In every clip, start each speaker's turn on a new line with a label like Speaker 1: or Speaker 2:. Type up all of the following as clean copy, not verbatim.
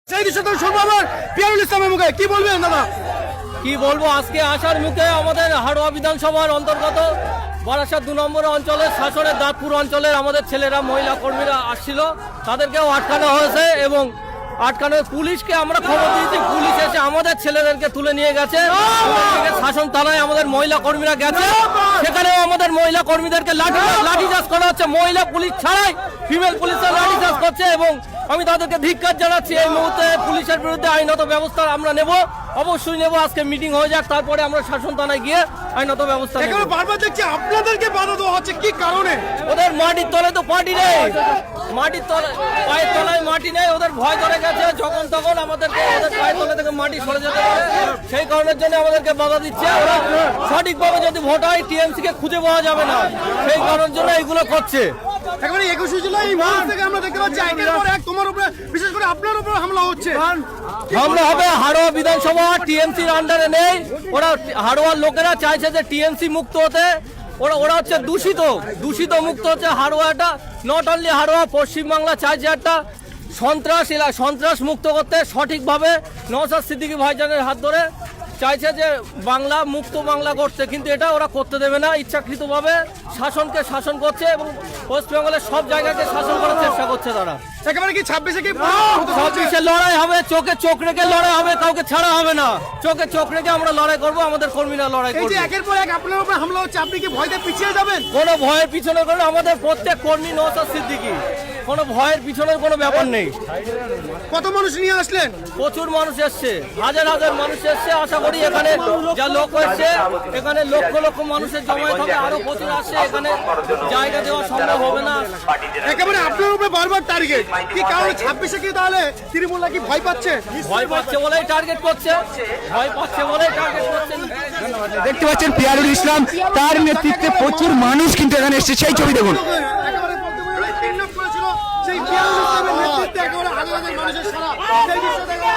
Speaker 1: পিয়ারুল ইসলামের মুখে কি বলবেন দাদা?
Speaker 2: কি বলবো, আজকে আসার মুখে আমাদের হাড়োয়া বিধানসভার অন্তর্গত বারাসাত 2 নম্বর অঞ্চলের শাসনের দাঁতপুর অঞ্চলের আমাদের ছেলেরা মহিলা কর্মীরা আসছিল, তাদেরকেও আটকানো হয়েছে এবং আটকানো পুলিশকে আমরা খবর দিয়েছি। পুলিশ এসে আমাদের ছেলেদেরকে তুলে নিয়ে গেছে। শাসন থানায় আমাদের মহিলা কর্মীরা গেছে, সেখানেও আমাদের মহিলা কর্মীদেরকে লাঠিচার্জ করা হচ্ছে। মহিলা পুলিশ ছাড়াই ফিমেল পুলিশরা লাঠিচার্জ করছে এবং আমি তাদেরকে ধিক্কার জানাচ্ছি। এই মুহূর্তে পুলিশের বিরুদ্ধে আইনত ব্যবস্থা আমরা নেব, অবশ্যই নেব। আজকে মিটিং হয়ে যাক, তারপরে আমরা শাসন থানায় গিয়ে আইনত ব্যবস্থা নেব।
Speaker 1: বারবার দেখছি আপনাদেরকে বাধা দেওয়া হচ্ছে, কি কারণে?
Speaker 2: ওদের মাটির তলে তো পার্টি নেই, মাটির তলে পায়ের তলায় মাটি নেই, ওদের ভয় ধরে গেছে। যখন তখন আমাদেরকে ওদের পায়ের তলে থেকে মাটি সরে যেতে পারে, সেই কারণের জন্য আমাদেরকে বাধা দিচ্ছে। ওরা সঠিকভাবে যদি ভোট হয় টিএমসি কে খুঁজে পাওয়া যাবে না, সেই কারণের জন্য এইগুলো করছে।
Speaker 1: একেবারে 21 জুলাই এই মুহূর্ত থেকে আমরা দেখতে পাচ্ছি একের পর এক তোমার উপরে, বিশেষ করে আপনার উপরে হামলা হচ্ছে।
Speaker 2: হামলা হবে, হাড়োয়া বিধানসভা টিএমসির আন্ডারে নেই। ওরা হাড়োয়ার লোকেরা চাইছে যে টিএমসি মুক্ত হতে, ওরা হচ্ছে দূষিত মুক্ত হচ্ছে হাড়োয়াটা। নট অনলি হাড়োয়া, পশ্চিমবাংলা চাইছে একটা সন্ত্রাস মুক্ত করতে সঠিকভাবে। নওশাদ সিদ্দিকী ভাইজানের হাত ধরে চাইছে যে বাংলা মুক্ত বাংলা করতে, কিন্তু এটা ওরা করতে দেবে না। ইচ্ছাকৃতভাবে শাসনকে শাসন করছে এবং ওয়েস্ট বেঙ্গলের সব জায়গাকে শাসন করার চেষ্টা করছে তারা।
Speaker 1: একেবারে কি 26-এ কি
Speaker 2: 26-এ লড়াই হবে, চোখে চোখ রেখে লড়াই হবে, কাউকে ছাড়া হবে না। চোখে চোখ রেখে আমরা লড়াই করব, আমাদের কর্মীরা লড়াই
Speaker 1: এই
Speaker 2: করবে।
Speaker 1: যে একের পর এক আপনার উপরে হামলা হচ্ছে, আপনি কি ভয়তে পিছিয়ে যাবেন?
Speaker 2: কোনো ভয়ের পিছনে কোনো, আমাদের প্রত্যেক কর্মী নওশাদ সিদ্দিকী, কোনো ভয়ের পিছনের কোনো ব্যাপার নেই।
Speaker 1: কত মানুষ নিয়ে আসলেন?
Speaker 2: প্রচুর মানুষ এসছে, হাজার হাজার মানুষ এসছে। আশা করি এখানে যা লোক এসছে, এখানে লক্ষ লক্ষ মানুষের জমায়েত হবে, আরো প্রচুর আসছে। এখানে জায়গা দেওয়া সম্ভব হবে না।
Speaker 1: একেবারে আপনার উপরে বারবার টার্গেট, কি কারণে 26-এ কি তাহলে তৃণমূলরা কি ভয় পাচ্ছে?
Speaker 2: ভয় পাচ্ছে বলেই টার্গেট করছে, ভয় পাচ্ছে বলেই টার্গেট করছে।
Speaker 3: দেখতে পাচ্ছেন পিয়ারুল ইসলাম, তার নেতৃত্বে প্রচুর মানুষ কিন্তু এখানে এসেছে। সেই ছবি দেখুন।
Speaker 1: একেবারে বলতে পারেন কিডন্যাপ করেছিল সেই পিয়ারুল ইসলামের নেতৃত্বে একেবারে হাজার হাজার মানুষের সারা সেই দৃশ্য দেখে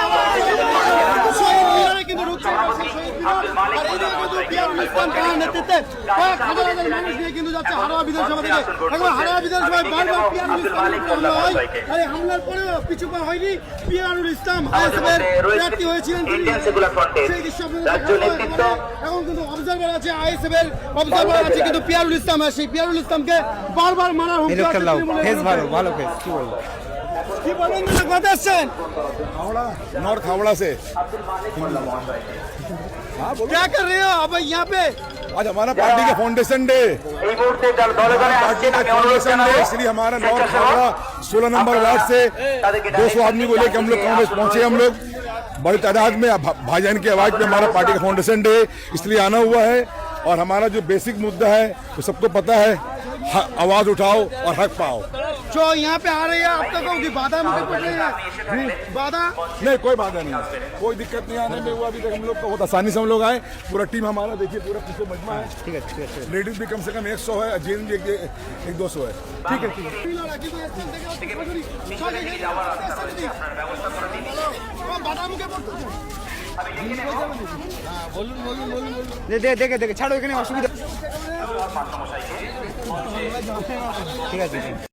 Speaker 1: শহীদ মিনারে কিন্তু রুখছে শহীদ মিনার। আর এইদিকে কিন্তু পিয়ারুল ইসলাম তার নেতৃত্বে কয়েক হাজার হাজার মানুষ নিয়ে কিন্তু যাচ্ছে হাড়োয়া বিধানসভা থেকে। একবার হাড়োয়া বিধানসভায় বারবার পিয়ারুল ইসলামের হামলা হয়, আর এই হামলার পরেও পিছু পা হয়নি। পিয়ারুল ইসলাম আইএসএফের প্রার্থী হয়েছিলেন, সেই দৃশ্য এখন কিন্তু অবজারভার আছে, আইএসএফের অবজারভার আছে, কিন্তু পিয়ারুল ইসলাম সেই পিয়ারুল ইসলামকে বারবার মারার হুমকি আছে।
Speaker 3: ভালো ফেস, কি বলবো?
Speaker 1: কি বলেন দাদা, কথা আসছেন?
Speaker 4: नॉर्थ हावड़ा से
Speaker 1: क्या कर रहे हो अब यहाँ पे?
Speaker 4: आज हमारा पार्टी का फाउंडेशन डे, पार्टी का फाउंडेशन डे, इसलिए हमारा नॉर्थ हावड़ा 16 नंबर वार्ड से 200 आदमी को लेकर हम लोग कांग्रेस पहुंचे। हम लोग बड़ी तादाद में भाईजान की आवाज पे हमारा पार्टी का फाउंडेशन डे इसलिए आना हुआ है। और हमारा जो बेसिक मुद्दा है वो सबको पता है, आवाज उठाओ और हक पाओ।
Speaker 1: जो यहाँ पे आ रही है आप तक होगी बाधा मुझे पड़ रही है, बाधा
Speaker 4: नहीं, कोई बाधा नहीं है, कोई दिक्कत नहीं आने में। वो अभी तक हम लोग को बहुत आसानी से हम लोग आए। पूरा टीम हमारा देखिए, पूरा पीछे मजमा है। ठीक है, लेडीज भी कम से कम 100 है, जेंट्स भी 100-200 है। ठीक है,
Speaker 1: बाधा मुझे
Speaker 3: দেখে ছাড়ো, এখানে অসুবিধা। ঠিক আছে।